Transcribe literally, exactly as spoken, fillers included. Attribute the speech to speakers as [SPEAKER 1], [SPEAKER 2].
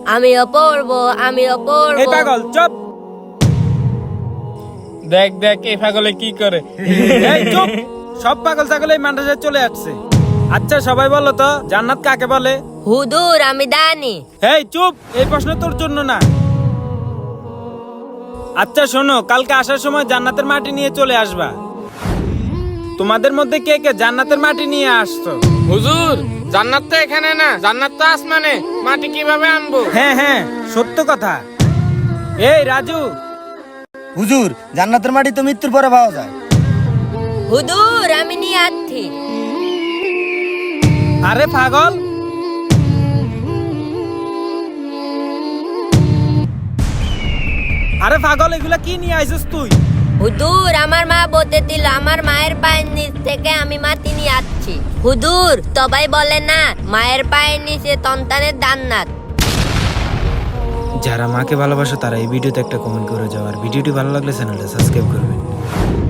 [SPEAKER 1] আমিও পড়বো আমিও
[SPEAKER 2] এই
[SPEAKER 1] পড়বো।
[SPEAKER 2] পাগল চুপ।
[SPEAKER 3] দেখ দেখ এই পাগলে কি করে।
[SPEAKER 2] এই চুপ। সব পাগল ছাগল এই মাদ্রাসায় চলে আসছে। আচ্ছা সবাই বলো তো জান্নাত কাকে বলে?
[SPEAKER 1] হুজুর আমি জানি।
[SPEAKER 2] এই চুপ, এই প্রশ্ন তোর জন্য না। আচ্ছা শোনো, কালকে আসার সময় জান্নাতের মাটি নিয়ে চলে আসবা। তোমাদের মধ্যে কে কে জান্নাতের মাটি নিয়ে আসছো?
[SPEAKER 3] হুজুর জান্নাত তো এখানে না, জান্নাত তো আসমানে, মাটি কিভাবে আনবো?
[SPEAKER 2] হ্যাঁ হ্যাঁ সত্য কথা। এই রাজু,
[SPEAKER 4] হুজুর জান্নাতের মাটি তো মৃত্যুর পরে পাওয়া যায়।
[SPEAKER 1] হুজুর আমি নিয়ে আসছি।
[SPEAKER 2] আরে পাগল, আরে পাগল এগুলা কি নিয়ে আইছিস তুই?
[SPEAKER 1] হুজুর আমার মা বলতে দিল আমার মায়ের পায়ের নিচ থেকে আমি মাটি নিয়ে আসছি। হুজুর সবাই বলে না মায়ের পায়ের নিচে সন্তানের জান্নাত।
[SPEAKER 2] যারা মাকে ভালোবাসো তারা এই ভিডিওতে একটা কমেন্ট করে যাও, আর ভিডিওটি ভালো লাগলে চ্যানেলটা সাবস্ক্রাইব করবে।